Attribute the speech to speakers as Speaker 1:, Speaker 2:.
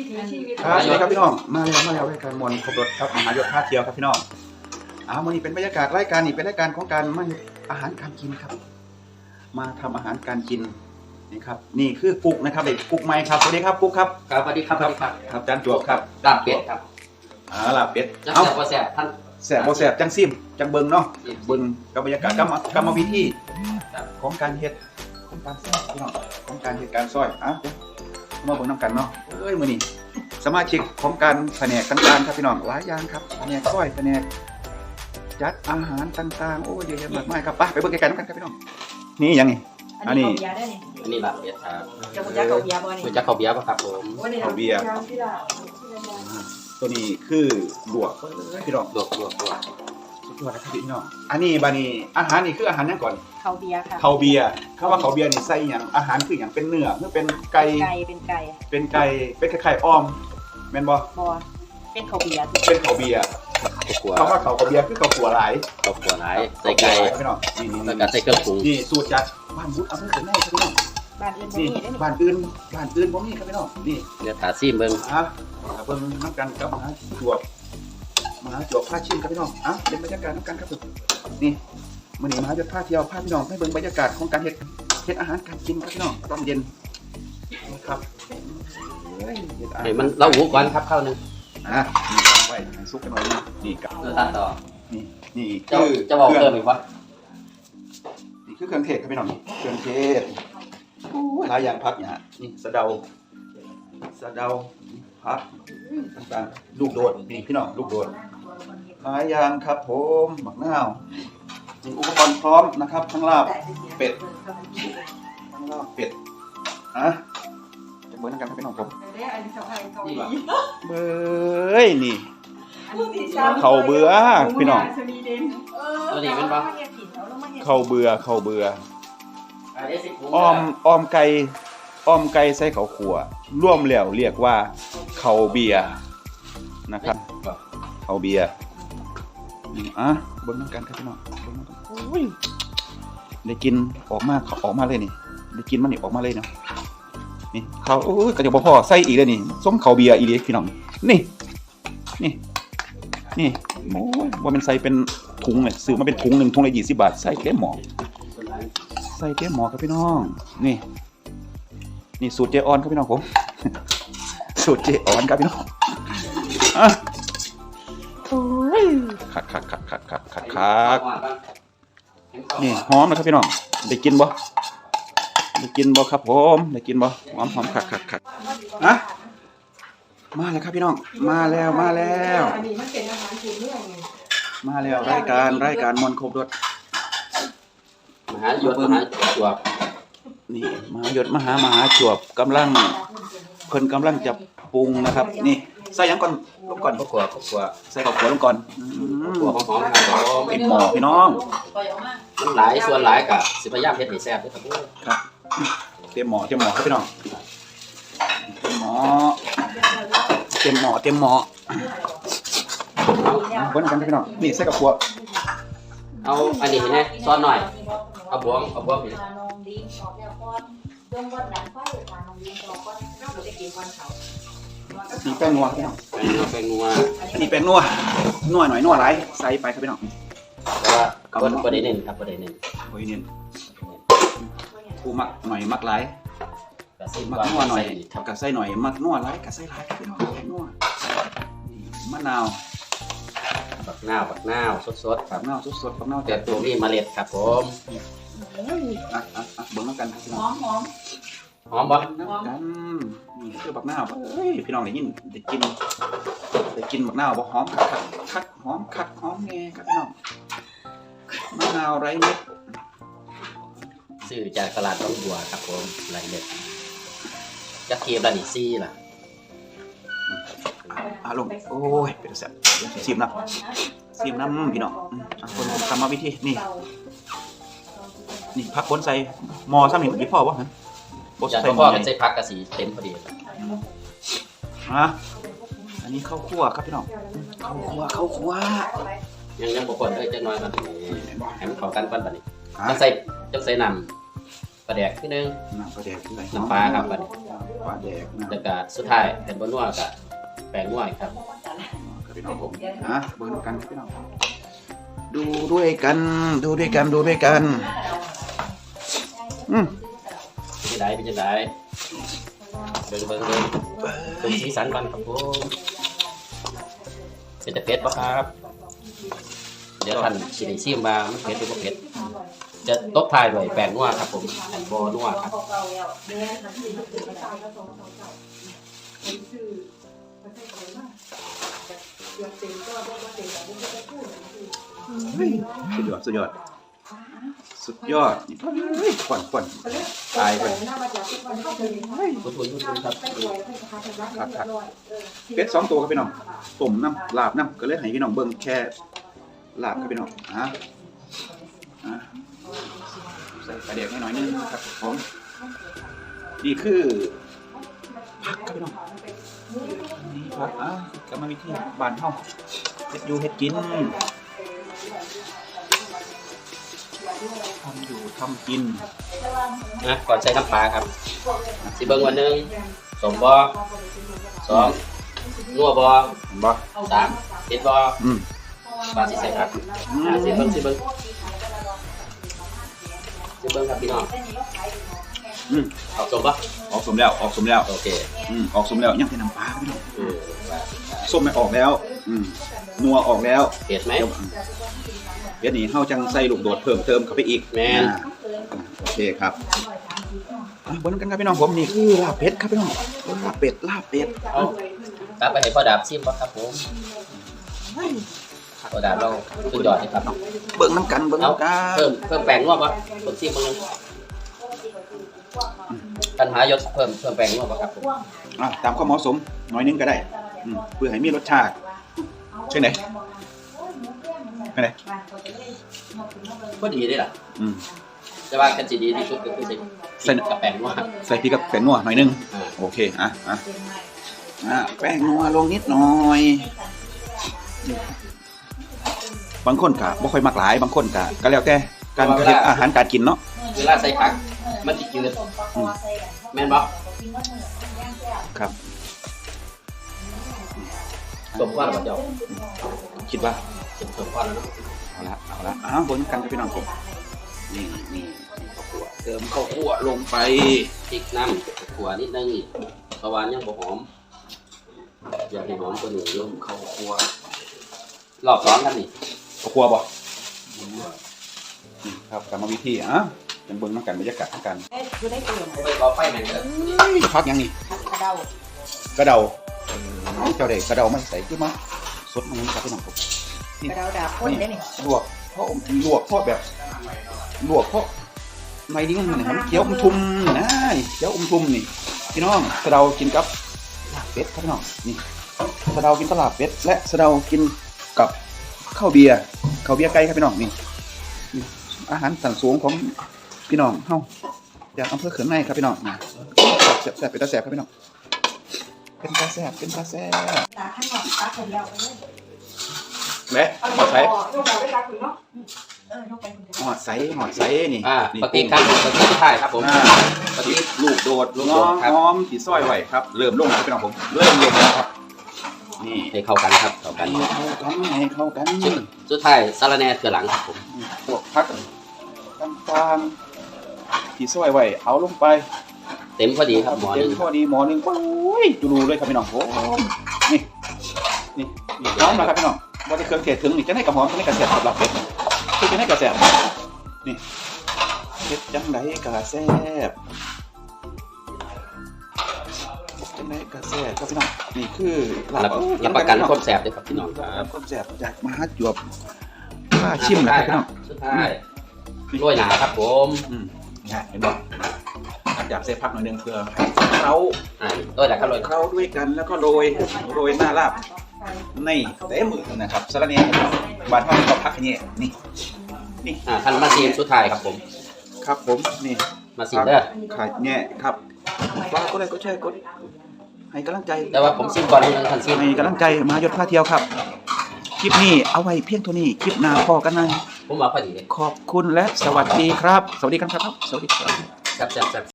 Speaker 1: ชีวิต
Speaker 2: ครับสวัสดีครับพี่น้องมาแล้วรายการมนต์ครบรถครับมหายศท่าเที่ยวครับพี่น้องวันนี้เป็นบรรยากาศรายการนี้เป็นรายการของการมาอาหารการกินครับมาทำอาหารการกินนี่ครับนี่คือกุ๊กนะครับเด็กกุ๊กไม้ครับสวัสดีครับกุ๊กครับ
Speaker 3: ครับสวัสดีครับ
Speaker 2: ครับจานจวบครับ
Speaker 3: ลาบเป็ดครับ
Speaker 2: ลาบเป็ด
Speaker 3: จะแซ่บบ่แซ่บท่าน
Speaker 2: แซ่บบ่แซ่บจังซิมจังเบิ่งเนาะเบิ่งกับบรรยากาศกรรมวิธีของการเฮ็ดของการซอยพี่น้องของการเฮ็ดการซอยมาเบิ่งนำกันเนาะมื้อนี้สมาชิกของการแผนกต่างๆครับพี่น้องหลายอย่างครับแผนกซอยแผนกจัดอาหารต่างๆโอ้เยอะแยะมากมายครับไปเบิ่งไกลๆกันครับพี่น้องนี่ยังนี่
Speaker 1: อันนี้
Speaker 3: อันนี้ลาบเป็ดครับ
Speaker 1: จะคุณจักเขาเบียร์บ่นี่
Speaker 3: คุณจักเขาเบียร์ป่ะครับผม
Speaker 2: เขาเบียร์ตัวนี้คือลวกพี่น้อง
Speaker 3: ลวก
Speaker 2: สุดยอดครับพี่น้องอันนี้บานี้อาหารนี่คืออาหารยังก่อน
Speaker 1: เขาเบียร์ค่ะ
Speaker 2: เขาเบียร์คำว่าเขาเบียร์นี่ใส่หยังอาหารคือหยังเป็นเนื้อหรือเป็นไก่
Speaker 1: เป็นไก่
Speaker 2: เป็นไข่อ้อมแม่นบ่
Speaker 1: เป็นเขาเบียร์
Speaker 2: เป็นเขาเบียร์คำว่าเขาเบียร์คือเขาขัวหลาย
Speaker 3: ใส่ไก่
Speaker 2: พี่น้องนี่
Speaker 3: แล้วก็ใส่เครื่องปรุง
Speaker 2: นี่สูตรจากบ้านบุญอำเภอเสนาครับพี่น้อง
Speaker 1: บ้านอื่น
Speaker 2: บ้านอื่นบ่มีครับพี่น้องนี่
Speaker 3: เดี๋ยวถาซิมเบิ่ง
Speaker 2: เบิ่งน้ำกันกับมหาจวบพาชิมครับพี่น้องเป็นบรรยากาศน้ำกันครับนี่มื้อนี้มหาจะพาเที่ยวพาพี่น้องให้เบิ่งบรรยากาศของการเฮ็ดอาหารการกินครับพี่น้องตอนเย็นครับ
Speaker 3: ให้มันเล่าหูก่อนครับข้าวนึง
Speaker 2: ไว้ให้ซุกกันหน่อยนี่กับ
Speaker 3: ตัดต่อ
Speaker 2: นี่
Speaker 3: จะบอกเพิ่มอีกว่า
Speaker 2: นี่คือเครื่องเทศครับพี่น้องเครื่องเทศหลายอย่างผักเนี่ยนี่สะเดาผักต่างๆลูกโดดนี่พี่น้องลูกโดดหลายอย่างครับผมหมักนาวมีอุปกรณ์พร้อมนะครับทั้งลาบเป็ดจะเบิ้ลกันครับพี่น้องผมเบ้ยนี่เขาเบื่อพี่น้อง
Speaker 3: ตัวนี้เป็นปะ
Speaker 2: เขาเบื่ออ้อมไก่ใส่เขาขั่วร่วมแล้วเรียกว่าเขาเบียร์นะครับเขาเบียร์เบิ้งกันครับพี่น้องได้กินออกมาเลยนี่ได้กินมันนี่ออกมาเลยเนาะนี่เขากระจะพ่อใส่อีกเลยนี่ส้มเขาเบียร์อีเล็กพี่น้องนี่โอ้ยว่ามันใส่เป็นถุงเลยซื้อมาเป็นถุงหนึ่งถุงละ20 บาทใส่เต็มหม้อครับพี่น้องนี่สูตรเจออนครับพี่น้องผมสูตรเจออนครับพี่น้องคักนี่หอมนะครับพี่น้องได้กินบ่ครับผมได้กินบ่หอมคักมาแล้วครับพี่น้องมาแล้วอันนี้มันเป็นอาหารพื้นเมืองไงมาแล้วรายการมนต์ครบรส
Speaker 3: มหาจวบ
Speaker 2: นี่มหาจวบกำลังจะปรุงนะครับนี่ใส่ยังก่อนลงก่อนข้าวคั่วใส่ข้าวคั่วลงก่อน
Speaker 3: หอมครับ
Speaker 2: เป็นหม้อพี่น้อง
Speaker 3: มันหลายส่วนหลายกับสิพยายามเฮ็ดให้แซ่บด้วย
Speaker 2: ครับเตรียมหม้อครับพี่น้องเตรียมหม้อคนกันพี่น้องนี่ใส่ข้าวคั่ว
Speaker 3: เอาอันนี้นะซ้อนหน่อยเอาบวงนี่
Speaker 2: นี่แป้งนัวพี่น้อง
Speaker 3: แป้งนัว
Speaker 2: นี่แป้งนัวหน่อยนัวหลายใส่ไปครับพี่น้อง
Speaker 3: แต่ว่าบ่ได้เน้นครับบ่ได้เน้น
Speaker 2: กูมักหน่อยมักหลายมักนัวหน่อยกับใส่หน่อยมักนัวหลายกับใส่หลายครับพี่น้องแป้งนัวมะนาว
Speaker 3: บักนาวสด
Speaker 2: บักนาวสดบักนาว
Speaker 3: แต่ตัวนี้เมล็ดครับผม
Speaker 2: เบิ่งน้ำกันครับพี่น้อง
Speaker 3: หอมบ่
Speaker 2: กันนี่คือบักนาวพี่น้องได้กินบักนาวบ่หอมคักหอมคักหอมแง่ครับพี่น้องมะนาวไร้เม็ด
Speaker 3: ซื้อจากตลาดบางบัวครับผมไร้เม็ดกระเทียมละนี่ซี่ล่ะ
Speaker 2: ลงโอ้ยเป็นแซ่บชิมน้ำพี่น้องคนทำมาวิธีนี่พักคนใส่หม้อซ้ำนี่มันพ่อวะฮะ
Speaker 3: ใส่พ่อกันใส่พักกะสีเต็มพอดี
Speaker 2: อันนี้ข้าวคั่วครับพี่น้องข้าวคั่ว
Speaker 3: ยังบ่คนจะน้อยกันให้มันเข้ากันปั้นบัดนี้ต้องใส่น้ำปลาแดกนิดนึง
Speaker 2: น้ำปลาแดก
Speaker 3: น้ำปลาครับบัดนี้
Speaker 2: ปลาแดกนะ
Speaker 3: แล้วก็สุดท้ายเป็นบนนัวกับแป้งนัวครับ
Speaker 2: ครับพี่น้องผมเบิ่งกันพี่น้องดูด้วยกันดูด้วยกันดูด้วยกัน
Speaker 3: เป็นยังไงเป็นยังไงเบิ่งสีสันมันครับผมเป็นแต่เผ็ดปะครับเดี๋ยวท่านสิได้ชิมมามันเผ็ดหรือบ่เผ็ดจะตบท้ายด้วยแป้งนัวครับผมอันบ่นัวครับ
Speaker 2: สุดยอดสุดยอดสุดยอดเฮ้ยขวัญตายไป
Speaker 3: คุณครับ
Speaker 2: ครับเป็ด2 ตัวครับพี่น้องต้มน้ำลาบน้ำก็เลยให้พี่น้องเบิ่งแค่ลาบครับพี่น้องใส่ปลาแดกให้หน่อยนึงครับผมนี่คือผักครับพี่น้องนี่ผักกรรมวิธีบ้านเฮาเฮ็ดอยู่เฮ็ดกินทำอยู่ทำกิน
Speaker 3: นะก่อนใส่น้ำปลาครับสิเบิ่งวันหนึ่งสมบ่2นัวบ่
Speaker 2: บ่
Speaker 3: 3เผ็ดบ่ปลาสิใส่ครับสิเบิ่งครับพี่น้องออกสมบ่
Speaker 2: ออกสมแล้วออกสมแล้ว
Speaker 3: โอเค
Speaker 2: ออกสมแล้วยังเป็นน้ำปลาพี่น้องส้มไม่ออกแล้วนัวออกแล้ว
Speaker 3: เผ็ดไหม
Speaker 2: เดี๋ยวนี้เฮาจังใส่ลูกโดดเพิ่มเติมเข้าไปอีก
Speaker 3: แม่น
Speaker 2: โอเคครับบนกันครับพี่น้องผมนี่คือลาบเป็ดครับพี่น้องลาบเป็ด
Speaker 3: เอาตามไปให้พ่อดาบชิมบ่ครับผมพ่อดาบเราสุดยอดเลยครับ
Speaker 2: เบิ่งน้ำกันเบิ่งน้ำกัน
Speaker 3: เพิ่มแป้งนัวบ่ผมชิมมื้อนึงปัญหายศเพิ่มแป้งนัวบ่ครับผม
Speaker 2: ตามความเหมาะสมหน่อยนึงก็ได้เพื่อให้มีรสชาติใช่ไหม
Speaker 3: ก็ดีเด้ล่ะแต่ว่าคันสิดีที่สุดก็คือใส่กับแป้งนัว
Speaker 2: ใส่พริกกับแป้งนัวหน่อยนึงโอเคแป้งนัวลงนิดหน่อยบางคนก็บ่ค่อยมักหลายบางคนก็แล้วแต่การเฮ็ดอาหารการกินเนาะ
Speaker 3: เวลาใส่ผักมันสิจืดแม่นบ่
Speaker 2: ครับ
Speaker 3: สมควรบ่เจ้า
Speaker 2: คิดว่า
Speaker 3: สมควรแล้วเนาะ
Speaker 2: เอาละบนกันกับพี่น้องผมนี่ข้าวคั่วเติมข้าวคั่วลงไป
Speaker 3: พริกน้ำขัวนิดนึงเพราะว่ายังบ่หอมอยากให้หอมกว่านี้อยู่
Speaker 2: ข้าวคั่ว
Speaker 3: รอบ2กันนี่
Speaker 2: ข้าวคั่วบ่ครับกรรมวิธีเป็นเบิ่งน้ำกันบรรยากาศน้ำกัน
Speaker 1: อยู่ได้เปลี่ยน
Speaker 3: ไปก่อไฟแม่นเด้อ
Speaker 2: พักยังนี่
Speaker 1: กระเดาก
Speaker 2: ระเดาเจ้าเด็กกระเดาไม่ใส่ขึ้นมาสดมันครับพี่น้องผม
Speaker 1: กระเดาดาบพ่นได้นี่
Speaker 2: ลวกเพราะแบบลวกเพราะไม่ดิ้งมันเคี้ยวทุ่มนะเคี้ยวทุ่มนี่พี่น้องกระเดากินกับลาบเป็ดครับพี่น้องนี่กระเดากินกับลาบเป็ดและกระเดากินกับข้าวเบียร์ไก่ครับพี่น้องนี่อาหารสันสูงของพี่น้องเฮาจากอำเภอเขื่อนในครับพี่น้องแซ่บเป็นตาแซ่บครับพี่น้องเป็นตาแซ่บ
Speaker 1: ตาข้างนอกตาคนเดียว
Speaker 2: แม่หอดใส่
Speaker 1: ยกไปคนเดียว
Speaker 2: หอดใส่นี่
Speaker 3: ปฏิครับปฏิสุดท้ายครับผม
Speaker 2: ปฏิลูกโดดน้องหอมที่ซอยไว้ครับเริ่มลงครับพี่น้องผมเริ่มลงแล้วครับนี่
Speaker 3: ให้เข้ากันครับเข้ากัน
Speaker 2: ให้เข้ากัน
Speaker 3: สุดท้ายสาระแหน่เกลือหลังครับผม
Speaker 2: พวกผักต่างๆที่ซอยไว้เอาลงไป
Speaker 3: เต็มพอดีครับหมอ
Speaker 2: เต็
Speaker 3: นึ
Speaker 2: ม
Speaker 3: ง
Speaker 2: พอดีหมอนึงโอ้ยจูรูเลยครับพี่น้องโอ้นี่หอมนะครับพี่น้องว่าจะเครื่องเทศถึงนี่จะให้กระหอมจะให้กระแสสำหรับเป็ดคือจะให้กระแสนี่เป็ดจังไดกระแสจังไดกระแสครับพี่น้องนี่คือ
Speaker 3: รับประกันความแซ่บด้วยครับพี่น้องครับ
Speaker 2: ความแสบจากมหาจวบป้าชิมนะครับพี่น้อง
Speaker 3: สุดท้ายโรยหนาครับผม
Speaker 2: เห็นบ่อยากใส่ผักหน่อยนึงเพื่อเขา
Speaker 3: โรยหนาครับโรย
Speaker 2: เข้าด้วยกันแล้วก็โรยหน้าลาบในเต็มมือนะครับสาระเนียบานเท่ากับผักนี่นี่
Speaker 3: ท่านมาซีมสุดท้ายครับผม
Speaker 2: ครับผมนี่
Speaker 3: มาซีมเด้อ
Speaker 2: ขายแง่ครับฝากก็ได้ก็แชร์กดให้กำลังใจ
Speaker 3: แต่ว่าผมซีมก่อนนึงท่านซีม
Speaker 2: ให้กำลังใจมายศพาเที่ยวครับคลิปนี้เอาไว้เพียงเท่านี้คลิปหน้าพอกันนะ
Speaker 3: ผมว่าพอดี
Speaker 2: ขอบคุณและสวัสดีครับ สวัสดีกันครับสวัสดีครับ
Speaker 3: แซ่บ